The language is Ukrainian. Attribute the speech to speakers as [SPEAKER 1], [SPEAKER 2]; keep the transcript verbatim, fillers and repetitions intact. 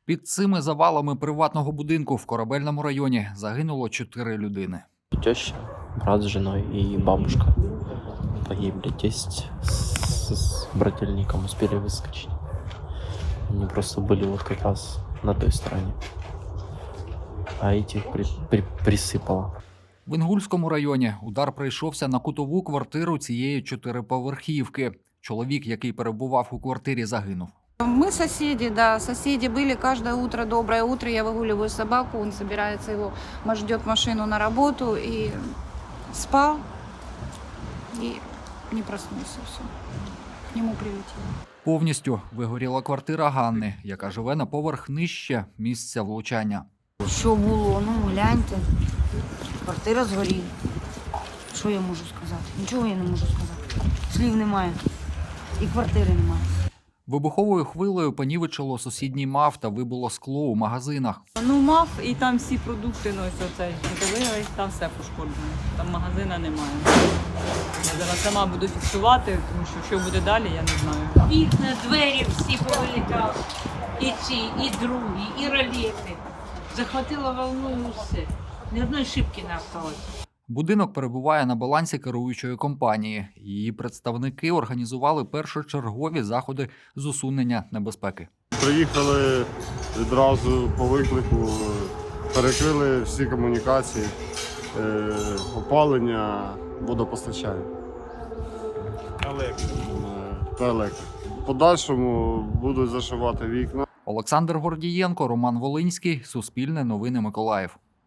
[SPEAKER 1] Під цими завалами приватного будинку в Корабельному районі загинуло чотири людини.
[SPEAKER 2] Теща, брат с женой и бабушка погибли. Тесть с, с брательником успели выскочить. Они просто были вот как раз на той стороне. А этих при, при, присыпало.
[SPEAKER 1] В Інгульському районі удар прийшовся на кутову квартиру цієї чотириповерхівки. Чоловік, який перебував у квартирі, загинув.
[SPEAKER 3] Мы соседи, да, соседи были каждое утро, доброе утро, я выгуливаю собаку, он собирается его, ждет машину на работу и спал, и не проснулся, все, к нему прилетело.
[SPEAKER 1] Повністю вигоріла квартира Ганни, яка живе на поверх нижче місця влучання.
[SPEAKER 4] Що було? Ну, гляньте, квартира згоріла. Що я можу сказати? Нічого я не можу сказати. Слів немає і квартири немає.
[SPEAKER 1] Вибуховою хвилею понівечило сусідній МАФ та вибило скло у магазинах.
[SPEAKER 5] Ну, мав, і там всі продукти, ну, ось оцей, дивились, там все пошкоджено. Там магазина немає. Я зараз сама буду фіксувати, тому що що буде далі, я не знаю.
[SPEAKER 6] Вікна, двері всі повилітали. І ці, і другі, і ролети. Захватило волною все. Ні одної шибки не осталось.
[SPEAKER 1] Будинок перебуває на балансі керуючої компанії. Її представники організували першочергові заходи з усунення небезпеки.
[SPEAKER 7] Приїхали відразу по виклику, перекрили всі комунікації, е, опалення, водопостачання. Електрика. Та електрика. В подальшому будуть зашивати вікна.
[SPEAKER 1] Олександр Гордієнко, Роман Волинський, Суспільне новини Миколаїв.